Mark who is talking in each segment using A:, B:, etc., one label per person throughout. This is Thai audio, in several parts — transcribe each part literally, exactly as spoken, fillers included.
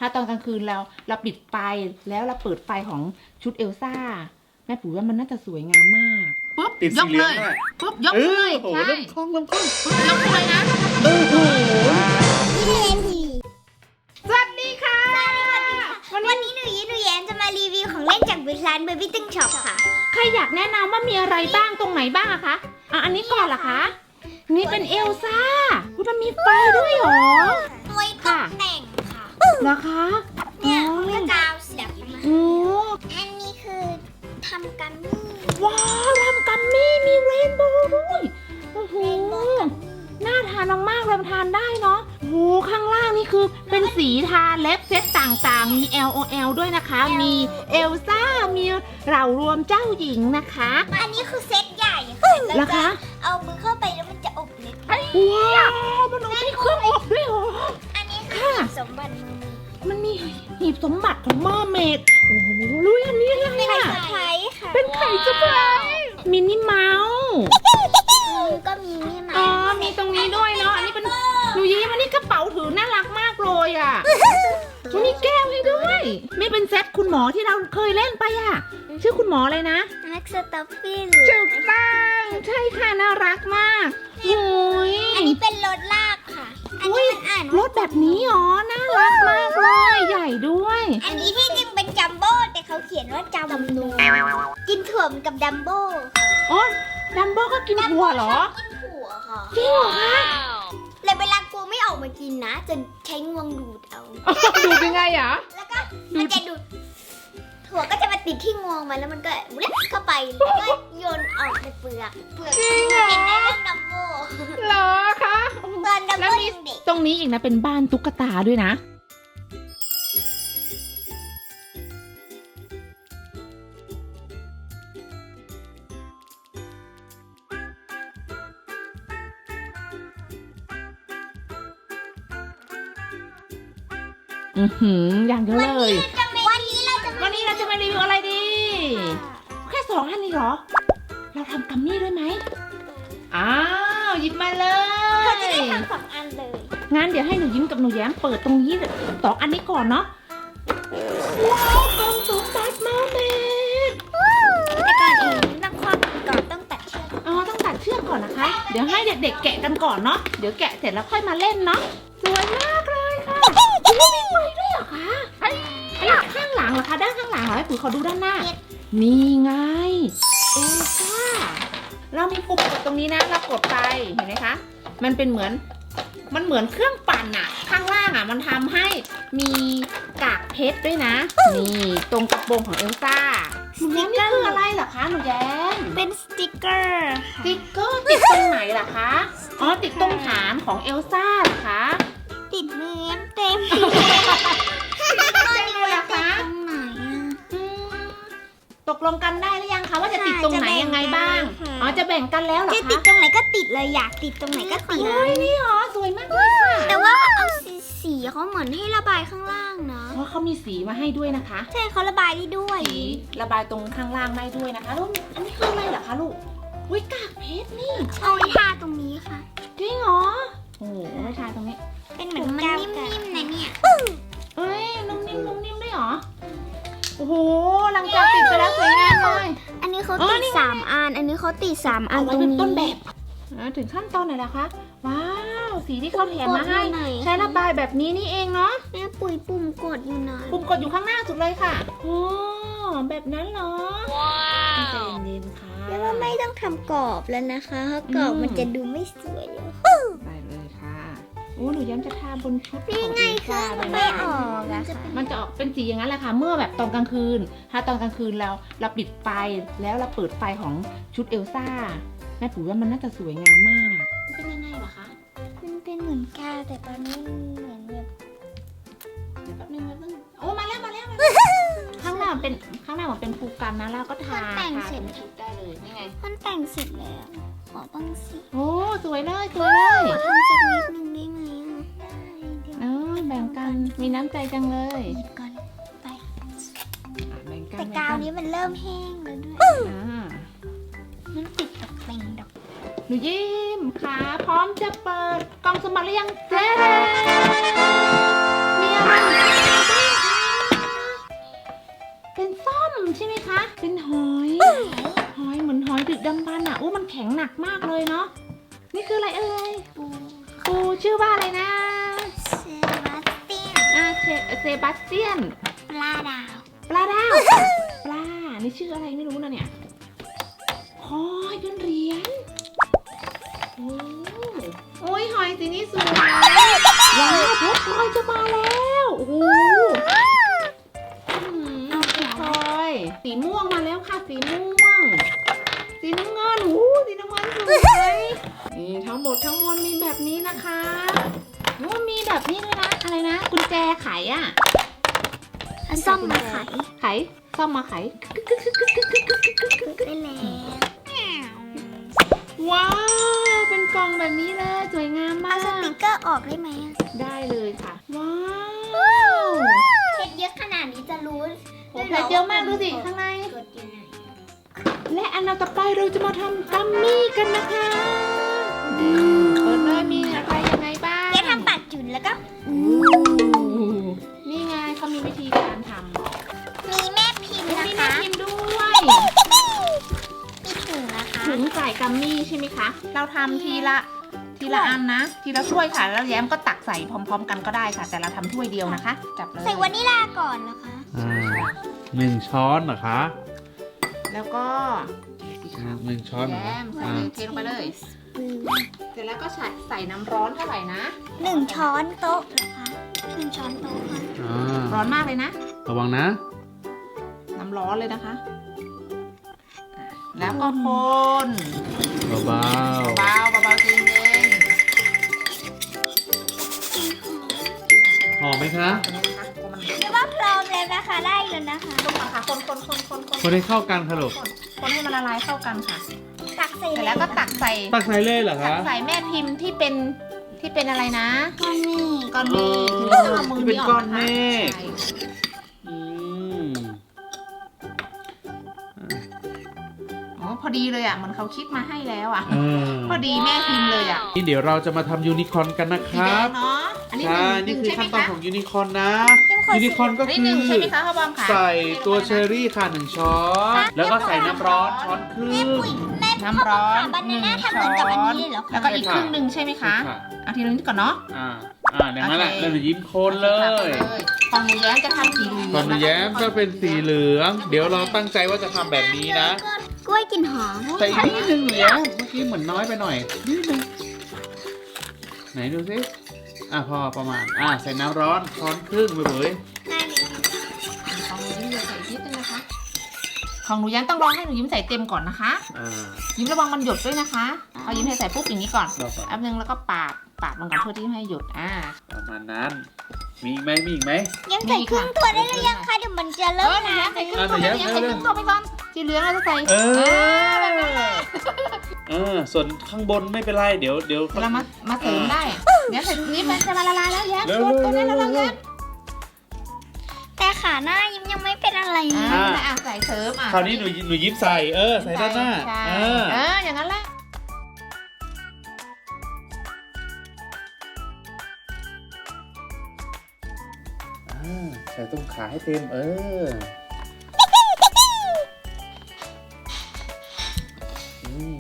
A: ถ้าตอนกลางคืนเราเราปิดไฟแล้วเราเปิดไฟของชุดเอลซ่าแม่ปุ๋ยว่ามันน่าจะสวยงามมากปุ๊บ
B: ติด
A: ย
B: สี
A: ก
B: เหลื
A: เล
B: อง
A: ย
B: ด้วย
A: ปุ๊บยก
B: เอ
A: เล
B: อย โอ้โห
A: ใช่
B: เริ่มคล่องเริ่มคล่อง
A: ปุ๊บยกเลยนะ
B: โอ้โห
A: สวัสดีค่ะ
C: วันนี้หนูยิ้มหนูแย้มจะมารีวิวของเล่นจากร้านเบบี้ตึ้งช็อปค่ะ
A: ใครอยากแนะนำว่ามีอะไรบ้างตรงไหนบ้างอะคะอ่ะอันนี้ก่อนเหรอคะนี่เป็นเอลซ่าอุ๊ยมันมีไฟด้วยเหรอ
C: ไว้ตกแต่งค่ะ
A: เหรอคะ
C: เนี่ย
A: อ๋อ
C: มันก็กาวเสียบมา
A: โอ้
C: อันนี้คือทำกัมมี่
A: ว้าวทำกัมมี่มีเรนโบว์ด้วยโอ้โห
C: เรนโบว์กัมมี่
A: น่าทานมากๆเลยมันทานได้เนาะโอ้โหข้างล่างนี่คือเป็นสีทาเล็บเซตต่างๆ มี แอล โอ แอล ด้วยนะคะ มีเอลซ่า มีเหล่ารวมเจ้าหญิงนะคะ
C: อันนี้คือเซตใหญ่ค่ะ
A: เหรอคะ
C: เอามือเข้าไปแล้วมันจะอบเล็บ
A: ว้าวมันมีเครื่องอบด้วยเหรอ
C: อันนี้คือ
A: ค่ะ
C: สมบัติมือมือ
A: มันมีหีบสมบัติของเมอร์เมดโอ้โหรู้อันนี้อะไร
C: เป็น
A: อ่ะ
C: เซอร์ไพรส์ค่ะ
A: เป็นไข่เซอร์ไพรส์มินนี่เมาส์
C: มือก็มีนี่มา
A: อ๋อ มีตรงนี้ด้วยเนาะ อันนี้เป็นหนูยิ้มอันนี้กระเป๋าถือน่ารักมากเลยอ่ะมันมีแก้วให้ด้วยนี่เป็นเซ็ตคุณหมอที่เราเคยเล่นไปอ่ะ ชื่อคุณหมอเลยนะ
C: แม็กซ์สตัฟฟี่
A: ถูกต้องใช่ค่ะ น่ารักมากโอ้ย
C: อันนี้เป็นรถลากค่ะ อัน
A: อุ๊
C: นี้
A: ย
C: มันอ่าน
A: ร
C: ว่า
A: ถแบบนี้อ๋อ น่ารักมากเลย ใหญ่ด้วย
C: อันนี้ที่จริงเป็นจัมโบ้แต่เขาเขียนว่าจัมนูกินถั่วเหมือนกับดัมโบ้ค่ะ
A: อ๋อดัมโบ้ก็กินหัวเหรอ
C: กินถั่วค่ะ
A: จริงเหรอคะ
C: แล้วเวลากลัวไม่ออกมากินนะ จะใช้งวงดูดเอา
A: ดูยังไงอ่ะ
C: แล้วก็มันจะดูดถั่วก็จะมาติดที่งวงมันแล้วมันก็เล็บเข้าไปแล้วก็โยนออกในเปลือกเปลือก
A: จริงเหรอ
C: เห็นได้เรื่องดัมโบ้
A: เหรอคะ
C: ตอนดัม
A: แล้ว
C: โบ้
A: มี
C: ยังเด็ก
A: ตรงนี้อีกนะเป็นบ้านตุ๊กตาด้วยนะ อือหืออย่างเดียวเลย
C: วันนี้เราจะ
A: วันนี้เราจะมารีวิวอะไรดี แค่สองอันนี้เหรอ เราทำกัมมี่ด้วยไหมอ้าวหยิบมาเล
C: เราจะ
A: ย
C: ได้ทำสองอันเลย
A: งั้นเดี๋ยวให้หนูยิ้มกับหนูแย้มเปิดตรงนี้สองอันนี้ก่อนเนาะ ว้าวกล่องสมบัติมาเมด
C: แต่ก่อนอื่นต้องคว้าก่อนต้องตัดเชือก
A: อ๋อต้องตัดเชือกก่อนนะคะ เดี๋ยวให้เด็กๆแกะกันก่อนเนาะ เดี๋ยวแกะเสร็จแล้วค่อยมาเล่นเนาะ สวยมากเลยค่ะโอ้มีไฟด้วยเหรอคะไอ้ข้างหลังเหรอคะ ด้านข้างหลังเหรอให้ปุ๋ยขอดูด้านหน้า นี่ไง เอลซ่า เรามีปุ่มกดตรงนี้นะ เรากดไป เห็นไหมคะ มันเป็นเหมือน มันเหมือนเครื่องปั่นอะข้างล่างอะมันทำให้มีกากเพชรด้วยนะ นี่ตรงกระโปรงของเอลซ่าหนูแย้มนี่คืออะไรเหรอคะหนูแย้ม
C: เป็นสติกเกอร์
A: สติ๊กเกอร์ติดตรงไหนล่ะคะ อ๋อติดตรงฐานของเอลซ่าเหรอคะ
C: ติดเนื้อเต็ม
A: ได้เลยเหรอคะ
C: ตรงไหนอะ
A: อืมตกลงกันได้หรือยังคะว่าจะติดตรงไหนยังไงบ้าง
C: ค่ะ
A: อ๋อจะแบ่งกันแล้วเหรอ
C: จะ
A: คะ
C: ติดตรงไหนก็ติดเลยอยากติดตรงไหนก็ติด
A: เฮ้ยนี่เหรอสวยมากเลยค่ะ
C: แต่ว่าเอาสีสีเขาเหมือนให้ระบายข้างล่างนะ
A: เพราะเขามีสีมาให้ด้วยนะคะ
C: ใช่เขาระบายได้ด้วย
A: สีระบายตรงข้างล่างได้ด้วยนะคะแล้วอันนี้คืออะไรเหรอคะลูกอุ้ยกากเพชรนี่
C: เอาไว้ทาตรงนี้ค่ะ
A: จริงเหรอโอ้โหไม่ทายตรงนี้
C: เป็นเหมือนมันนิ่มๆนะเนี่ย
A: เอ้ยนุ่มนิ่มนุ่มนิ่มด้วยเหรอโอ้โหหลังจากติดไปแล้วสวยงามเลย
C: อันนี้เขา
A: อ๋อ
C: ติด
A: นี่ไง
C: สามอัน อันนี้เขาติดสามอัน
A: เอาไว้
C: ตรง
A: เป็น
C: นี้
A: ต้นแบบอ่าถึงขั้นตอนไหนล่ะคะว้าวสีที่เขาแถมมาให้
C: กดอยู่ไหน
A: ใช้ระบายแบบนี้นี่เองเนาะ
C: แม่ปุ๋ยปุ่มกดอยู่ไหน
A: ปุ่มกดอยู่ข้างหน้าสุดเลยค่ะโอ้แบบนั้นเหรอว้าวใจเย็นๆค่ะ
C: แล้วว่าไม่ต้องทำกรอบแล้วนะคะเพราะกรอบ
A: อืม
C: มันจะดูไม่สวยเลย
A: ได้เลยค่ะโอ้หนูย้ำจะทาบนชุด
C: นี่
A: ของ
C: ไง
A: เอล
C: คื
A: ซ่า
C: อ
A: เล
C: มัน
A: ย
C: ไม่
A: นะ
C: ออกอะค่ะ
A: มันจะออกเป็นสีอย่างนั้นแหละค่ะ เมื่อแบบตอนกลางคืน ถ้าตอนกลางคืนเราเราปิดไฟแล้วเราเปิดไฟของชุดเอลซ่าแม่ปุ๋ยว่ามันน่าจะสวยงามมากเป็นยังไงเหรอคะ
C: มันเป็นเหมือนกาวแต่ตอนนี้มันเหมือนแบบ
A: เดี๋ยวแป๊บนึงแป๊บนึงโอ้มาแล้วมาแล้วมาแล้ว ข้างหน้ามันเป็นข้างหน้ามันเป็นฟูกันนะแล้วก็ทาทาเป็นชุดได้เลยนี่ไง
C: มันแต่งเสร็จแล้ว ขอบ้างสิ
A: โอ้สวยเลยสวยเลย
C: ขอทำสักนิดนึงได้ไหมอะได้เดี๋ยว
A: เออแบ่งกันมีน้ำใจจังเลย
C: หยิบก่อนไป
A: อ่ะแบ่งกัน
C: แต่
A: แบ่ง
C: กาว
A: กัน
C: นี้มันเริ่มแห้งแล้วด้วย
A: อ่า
C: มันติดตกแต่งดอก
A: หนูยิ้มขาพร้อมจะเปิดกล่องสมบัติหรือยังเจ๊มีอะไรเป็นหอย หอยเหมือนหอยดึกดำบรรพ์อ่ะอู้มันแข็งหนักมากเลยเนาะ นี่คืออะไรเอ่ย
C: ปู
A: ปูชื่อว่าอะไรนะ
C: เซบาสเตียน
A: อ่าเซเซบาสเตียน
C: ปลาดาว
A: ปลาดาว ปลา นี่ชื่ออะไรไม่รู้นะเนี่ยหอยเป็นเหรียญ โอ้โอ้ยหอยสีนี้สวยว้าวเพชรพลอยจะมาแล้วโอ้โหเอาเพชรพลอยสีม่วงมาแล้วค่ะสีม่วง สีน้ำเงินโอ้โหสีน้ำเงินสวยนี่ทั้งหมดทั้งมวลมีแบบนี้นะคะโอ้มีแบบนี้ด้วยนะอะไรนะกุญแจไขอ่ะ
C: ส้มมาไข่
A: ไขซ่อมมาไข
C: ได้แล้ว
A: ว้าวเป็นกล่องแบบนี้เลยสวยงามมา
C: เอา
A: ก
C: สติกเกอร์ออกได้ไหมอะ
A: ได้เลยค่ะ ว้าว
C: เพชรเยอะขนาดนี้จะรู้
A: โอ้เพชรเยอะมากดูสิข้างใน
C: กดอยู่ไหน
A: และอันต่อไปเราจะมาทำกัมมี่กันนะคะอืมเปิดเลยมีอะไรยังไงบ้าง
C: แกทำปัดจุนแล้วก็
A: อู้นี่ไงเขามีวิธีการทำ
C: มีแม่พิมพ์
A: มี
C: นะ
A: แม่
C: คะ
A: พิมพ์ด้วย
C: มีถุงนะคะ
A: ถุงใส่กัมมี่ใช่ไหมคะ เราทำทีละทีละอันนะ ทีละถ้วยค่ะ แล้วแย้มก็ตักใส่พร้อม ๆ กันก็ได้ค่ะ แต่เราทำถ้วยเดียวนะคะ จับเลย
C: ใส่วานิลลาก่อนนะคะ
B: อ่าหนึ่งช้อนเหรอคะ
A: แล้วก็
B: หนึ่งช้อนเหรอ
A: แย้มใส่เลยเทลงไปเลย เสร็จแล้วก็ใส่ใส่น้ำร้อนเท่าไหร่นะ
C: หนึ่งช้อนโต๊ะนะคะหนึ่งช้อนโต๊ะค่ะ
B: อ่า
A: ร้อนมากเลยนะ
B: ระวังนะ
A: น้ำร้อนเลยนะคะ แล้วก็คน
B: เบา
A: เบาๆเบาๆจริง
B: ๆหอมไหมคะ
A: ๆตรงนี้นะคะคนมัน
C: เรียกว่าพร้อมแล้วนะคะ ได้แล้วนะคะ
A: คนก่อนค่ะคนคนคนคนคน
B: คนให้เข้ากันค่ะลูก
A: คนให้มันละลายเข้ากันค่ะ
C: ตักใส่
A: เสร็จแล้วก็ตักใส่
B: ตักใส่เลยเหรอ
A: ตั
B: คะ
A: กใส่แม่พิมพ์ที่เป็นที่เป็นอะไรนะ
C: ก้อนเมฆ
A: ก้อนเมฆ
B: อ๋อ
A: คือเราต้องเอามือ
B: ที่เป็น
A: นี้อ
B: ก้
A: อ
B: อก น
A: นะคะ
B: เมฆ
A: ใช่
B: อืม
A: อ๋อพอดีเลยอ่ะเหมันเขาคิดมาให้แล้วอ่ะ
B: เออ
A: พอดีแม่พิมพ์เลยอ่ะ
B: นี่เดี๋ยวเราจะมาทำยูนิคอร์นกันนะค
A: สีแด
B: รับ
A: งเนาะอันนี้ห
B: ใช่
A: นึ่งห
B: นี่
A: นึ่ง
B: คือ
A: ใช่ไหม
B: ขั้นตอน
A: คะ
B: ของยูนิคอร์นนะ ยูนิคอร์นก็
A: อันนี้
B: คื
A: หนึ่ง
B: อ
A: ใช่ไหมคะพ่อบอมค่ะ
B: ใส่ตัวเชอร์รี่ค่ะหนึ่งช้อน แล้วก็ใส่น้ำร้อนช้อนครึ่
C: แม่
B: ง
C: ปุ๋ยแม่
A: น้ำร้อน
C: บา
A: หนึ่
C: นาง น่า
A: ช้
C: ทำเหมือนกับอันนี้เลยเหรอ
A: แล้ว
C: คะ
A: ก็อีกครึ่งหนึ่งใช่ไหมคะ
B: ใช่ค่ะ
A: เอาทีละนิดก่อนเนาะ
B: อ่า อ่าอย่างนั้นแหละ
A: โอเค
B: แล้วหนูยิ้มโคนเลย
A: ของหนูแย้มจะทำสีเหลือง
B: ก่อนหนูแย้มก็เป็นสีเหลือง เดี๋ยวเราตั้งใจว่าจะทำแบบนี้นะ
C: กล้วยกลิ่นหอม
B: ใส่อีกนิดนึงหนูแย้มเมื่อกี้เหมือนน้อยไปหน่อยนิดนึงไหนดูสิอ่ะพอประมาณ อ่ะใส่น้ำร้อนช้อนครึ่งไปเลย
C: ได้เลย
A: ของหนูยิ้มใส่นิดนึงนะคะ ของหนูแย้มต้องรอให้หนูยิ้มใส่เต็มก่อนนะคะ
B: อ่า
A: ยิ้มระวังมันหยดด้วยนะคะพอยิ้มให้ใส่ปุ๊บอย่างนี้ก่อน
B: เราก่อน
A: แป๊บนึงแล้วก็ปาดปาดมันก่อนเพื่อที่ไม่ให้หยดอ่า
B: ประมาณนั้น มีอีกไหมมีอีกไหม
C: ยังใส่ครึ่งตัวได้หรือยังคะเดี๋ยวมันจะ
A: เอ
C: เริ่
A: อ
C: ม
A: หนู
C: นะ
A: แย้มใส่ครึ่ง
B: อ่ะ
A: ตัว
B: หนูแย้
A: หนู
B: ม
A: แย้มใส่ค
B: เร็วๆ
A: รึ่งตัวไปก่อนสีเหลืองเราจะใส่
B: เออ
A: แบบนั้นแหละ
B: เออ ส่วนข้างบนไม่เป็นไร เดี๋ยวเดี๋ยว
A: เดี๋ยวเรามามาเสริมได้เดี๋ยวใส่ตรงนี้มันจะมาละลายแล้วแย้ม
B: เร็ว
A: ตัว
B: ๆ
A: ตัวนี้เราลอง
B: เร็
A: แย้
B: ว
A: ม
C: แต่ขาหน้ายิ้มยังไม่เป็นอะไร
A: อ่า
C: นะ
A: อ่ะใส่เสริมอ่ะ
B: คราวนี้หนูหนูยิ้มใส่ เออ ใส่ด้านหน้า
A: ใช่
B: เออ
A: เอออย่างนั้นแหละ
B: อ่าใส่ตรงขาให้เต็ม เอออืม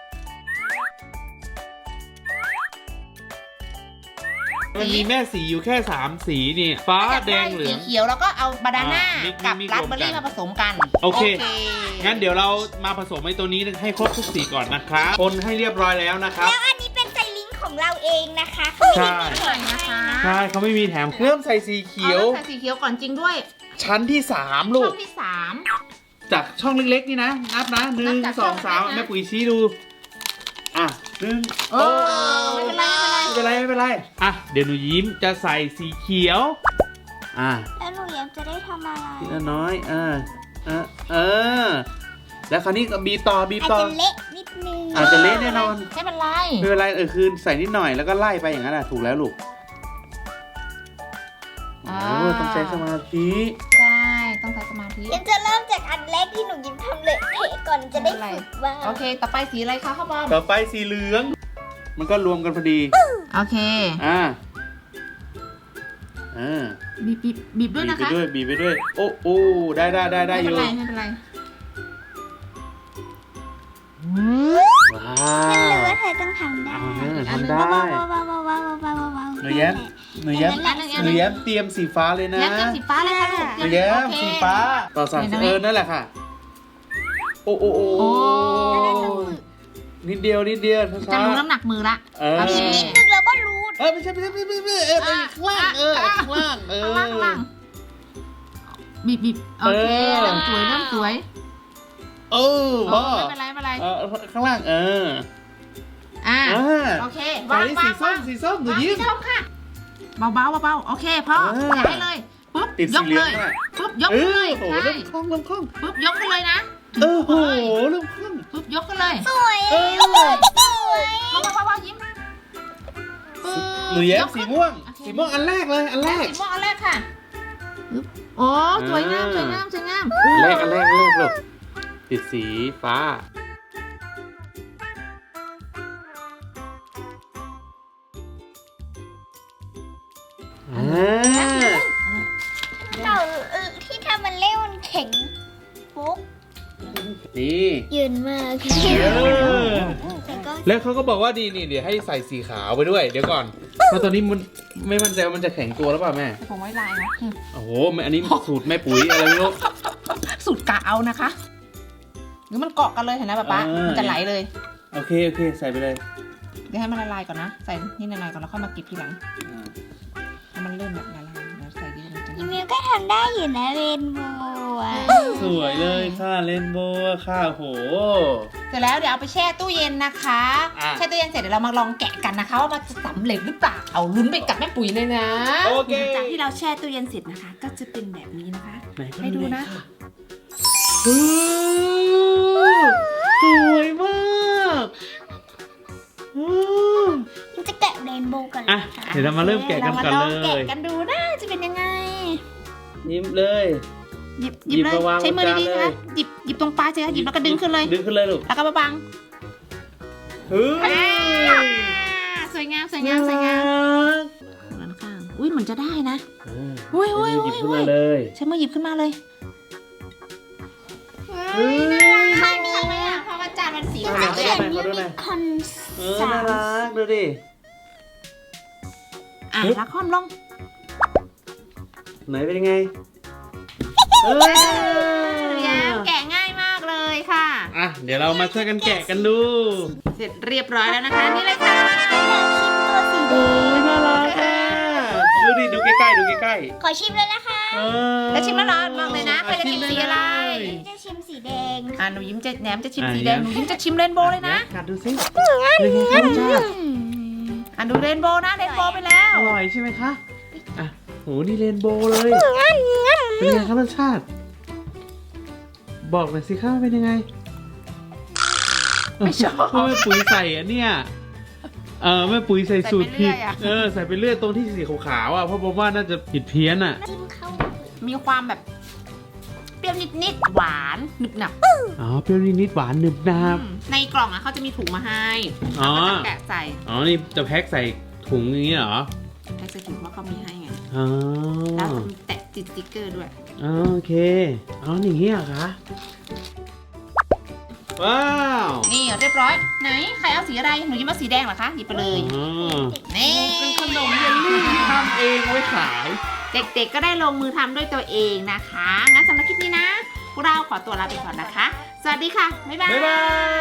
B: มันมีแม่สีอยู่แค่สามสีนี่ ฟ้าแดงเหลือง
A: สีเขียวแล้วก็เอาบานาน่า
B: อ่ามิกซ์
A: กับ
B: มิกซ์
A: ราสเบอร์รี่
B: รวมกัน
A: มาผสมกัน
B: โอเค งั้นเดี๋ยวเรามาผสมไอ้ตัวนี้ให้ครบทุกสีก่อนนะครับ คนให้เรียบร้อยแล้วนะครับ
C: แล้วอันนี้เป็นไซลิงก์ของเราเองนะคะ
B: ใช่
A: หน่อยนะคะ
B: ใช่เขาไม่มีแถมเริ่มใส่สีเขียว
A: อาใส่สีเขียวก่อนจริงด้วย
B: ชั้นที่สามลู
A: ช่
B: ก
A: องที่สาม
B: จากช่องเล็กๆนี่นะ นับนะหนึ่
A: นั
B: ง
A: บจาก
B: สองสาม
A: ช่องเล็กๆนะ
B: แม่ปุ๋ยชี้ดู อ่ะหนึ่ง
A: เออไม่เป็นไรไม่เป็นไร
B: ไม่เป็นไรไม่เป็นไร อ่ะ เดี๋ยวหนูยิ้มจะใส่สีเขียว อ่ะ
C: แล้วหนูยังจะได้ทำอะไร
B: ทีละน้อยเออเออเออ แล้วคราวนี้ก็บีบต่อบีบ
C: อาจ
B: ต่อ
C: จะเละนิดนึง
B: อาจจะเละแน่นอน
A: ไม่เป็นไร
B: ไม่เป็นไรเออคือใส่นิดหน่อยแล้วก็ไล่ไปอย่างนั้นแหละถูกแล้วลูก
A: อ่า
B: โอ้ต้องใช้สมาธิ
A: ใช่ต้องใช้สมาธิ
C: ยังจะเริ่มจากอันแรกที่หนูยิ้มทำเลยเทก่อนจะได้ฝึกบ้าง
A: โอเค ต่อไปสีอะไรคะข้าวบอม
B: ต่อไปสีเหลือง มันก็รวมกันพอดี
A: โอเค
B: อ่าอ่า
A: บีบบีบบีบด้วย
B: บีบ
A: นะ
B: ไป
A: คะ
B: ด้วยบีบไปด้วย โอ้โอ้ได้ได้ได้ได้
A: ไม่
B: อ
A: เป็น
B: ยู่
A: ไรไม่เป็นไร
B: ว้า
C: ฉันรู้
B: ว
C: ว่าเธอต้องทำได้
B: เอาเนอะทำ
C: ว้าว
B: ได้
C: ว้าวว้าวว้าวว้าวว้าวว้าว
B: หนูแย้มหนูแย้ม
C: นั่นแหละ
B: หนูแย้มเตรียมสีฟ้าเลยนะ
A: แย้มเตรียมสีฟ้าเลยค่ะลูก
B: หนูแย้ม
A: โอเค
B: สีฟ้า ต่อสาม
A: ไหนๆ
B: เออนั่นแหละค่ะ โอ้โอ้โอ้
A: โอ้
B: นิดเดียวนิดเดียว
A: จะ
B: ช้า
A: รู้น้ำหนักมือละ
B: ๆเออ
A: โอเค
C: นิดนึงเราก็รู้
B: เออไม่ใช่ไม่ใช่ไม่ใช่ไม่ใช่เออไปข้างล่างเออข้างล่างเออ
A: ข้างล่างข้างล่างบีบบีบโอเค
B: เออ
A: เริ่มสวยเริ่มสวย
B: เออ
A: เอ
B: พ่อ
A: อไม่เป็นไรไม่เป็นไร
B: เออข้างล่างเออ
A: อ่า
B: อ่า
A: โอเค
B: ตอน
A: วาง
B: นี้
A: วา
B: สี
A: ง
B: ส้
A: วาม ง
B: สีส้มหนู
A: วาง
B: ยิ้ม
A: สีส้มค่ะเบาๆเบาๆโอเคพ่อ
B: เออ
A: ย้ายเลยปุ๊บ
B: ติด
A: ย
B: สี
A: ก
B: เหลื
A: เล
B: อง
A: ย
B: น่ะ
A: ปุ๊บยก
B: เอ
A: เล
B: อย โอ้โห
A: ใช่
B: เริ่มคล่องเริ่มคล่อง
A: ปุ๊บยกขึ้นเลยนะ
B: เออโหเริ่มคล่อง
A: ปุ๊บยกขึ้นเลย
C: สวย
B: เออ
C: สวย
A: เบาๆเบาๆยิ้มปึ๊บ
B: หนูแย้ม
A: ยก
B: สี
A: ขึ้น
B: ม่วง
A: โอเค
B: สีม่วงอันแรกเลยอันแรก
A: สีม่วงอันแรกค่ะปึ๊บโอ้สวยงามสวยงามสวยงาม
B: อันแรกอันแรกอันแรกลูกติดสีฟ้าอ่า
C: เราเออที่ทำมันเล่มันแข็งปุ๊บ
B: นี่
C: ยืนมาก
B: เออ
C: แต่ก็
B: แล้วเขาก็บอกว่าดีนี่เดี๋ยวให้ใส่สีขาวไปด้วย เดี๋ยวก่อนเพราะตอนนี้มันไม่มั่นใจว่ามันจะแข็งตัวหรือเปล่าแม่
A: ผมไว้ลายนะอืม
B: โอ้โหแม่อันนี้สูตรแม่ปุ๋ยอะไรไม่รู้
A: สูตรกะเอานะคะหรือมันเกาะกันเลยเห็นไหมป๊าป๊า
B: เออ
A: มันจะไหลเลย
B: โอเคโอเคใส่ไปเลย
A: เดี๋ยวให้มันละลายก่อนนะ ใส่นี่ละลายก่อนแล้วค่อยมาเก็บทีหลังให้มันเริ่มแบบละลายแล้วใส่เยอะมันจะ
C: อีมิวก็ทำได้อยู่นะเรนโบว์อะ
B: สวยเลยค่ะเรนโบว์ค่ะโห
A: เสร็จแล้วเดี๋ยวเอาไปแช่ตู้เย็นนะคะ
B: อ่ะ
A: แช่ตู้เย็นเสร็จเดี๋ยวเรามาลองแกะกันนะคะว่ามันจะสำเร็จหรือเปล่าเอาลุ้นไปกับแม่ปุ๋ยเลยนะ
B: โอเค
A: จากที่เราแช่ตู้เย็นเสร็จนะคะ ก็จะเป็นแบบนี้นะคะ
B: ไหนก็
A: ให้ดูนะ
B: โอ้สวยมากโอ้
C: มันจะแกะเรนโบว์กัน
B: อ่ะเดี๋ยวเรามาเริ่มแกะกันก่อน
A: รา
B: เล
A: มาลองแกะ
B: ย
A: กันดูนะจะเป็นยังไง
B: ยิ้มเลย
A: หยิบห
B: หยิ
A: ยิ
B: บบ
A: เลย
B: มาวาง
A: ใช้มือบ
B: นจาน
A: ดีๆ
B: เลย
A: นะคะหยิบหยิบตรงปลายใช่ไหมหยิบแล้วก็ดึงขึ้นเลย
B: ดึงขึ้นเลยลูก
A: แล้วก็มาบัง
B: เฮ้ย
A: อ่าสวยงามสวยงามสวยงามด้านข้างอุ้ยเหมือนจะได้นะ อุ้ยอุ้ย
B: หยิบ
A: อุ้ย
B: ขึ้นมาเลย
A: ใช้มือหยิบขึ้นมาเลย
B: เฮ้ย
A: ข้างนี้ไหมอ่ะเพราะว่าจานมันสี
B: เอา
A: ขาว
B: หน่
A: เล
B: อย
A: ย
B: ขอ
A: อะ
B: ดูหน่อย
C: คอน
B: เออน่ารักดูดิ
A: อ่ะแล้วคว่ำลง
B: ไหนเป็นยังไงเอ้ย
A: แย้มแกะง่ายมากเลยค่ะ
B: อ่ะเดี๋ยวเรามาช่วยกันแกะกันดู
A: เสร็จเรียบร้อยแล้วนะคะ นี่เลยค่ะ
C: ตัวสีแด
B: โอ้
C: ง
B: ยน่ารักอ่ะดูดิดูใกล้ๆดูใกล้
C: ขอชิมเลยนะคะ
B: ๆเออ
A: แล้วชิมแล้วเหรอลองเลยนะใครจะชิมสีอะไร
C: จะชิมสีแดง
A: อ่ะหนูยิ้มจะแหนมจะชิมสีแดงหนูยิ้มจะชิมเรนโบว์เลยนะ
B: กัดดูสิเป็นไงคะรสชาติ
A: อ่ะดูเรนโบว์นะเรนโบว์ไปแล้ว
B: อร่อยใช่ไหมคะอ่ะโหนี่เรนโบว์เลย เป็นไงคะรสชาติ บอกหน่อยสิคะว่าเป็นยังไง
A: ไม่ชอบ
B: เพราะแม่ปุ๋ยใส่อันเนี้ยเออแม่ปุ๋ยใส่สูตรผิด
A: ใส่ไปเรื่อยอะ
B: เออใส่ไปเรื่อยตรงที่สีขาวๆอ่ะเพราะผมว่าน่าจะผิดเพี้ยนอ่ะ
C: จิ้มเข้า
A: มีความแบบเปรี้ยวนิดๆหวานหนึบหนับ
B: อ๋อเปรี้ยวนิดๆหวานหนึบหนาบ
A: อืมในกล่องอ่ะเขาจะมีถุงมาให้
B: อ๋อ
A: เราก็จะแกะใส่
B: อ๋อนี่จะแพ็คใส่ถุงอย่างนี้เหรอ
A: แพ็คใส่ถุงเพราะเขามีให้ไง
B: อ๋อ
A: แล้วแตะติดสติ๊กเกอร์ด้วย
B: อ๋อโอเคอ๋ออย่างนี้เหรอคะว้าว
A: นี่เรียบร้อย ไหนใครเอาสีอะไรหนูยิ้มเอาสีแดงเหรอคะหยิบไปเลย
B: อ๋อ
A: นี่
B: เป็นขนมเยลลี่ที่ทำเองไว้ขาย
A: เด็กๆก็ได้ลงมือทำด้วยตัวเองนะคะ งั้นสำหรับคลิปนี้นะ พวกเราขอตัวลาไปก่อนนะคะ สวัสดีค่ะ บ๊ายบาย
B: บ๊ายบาย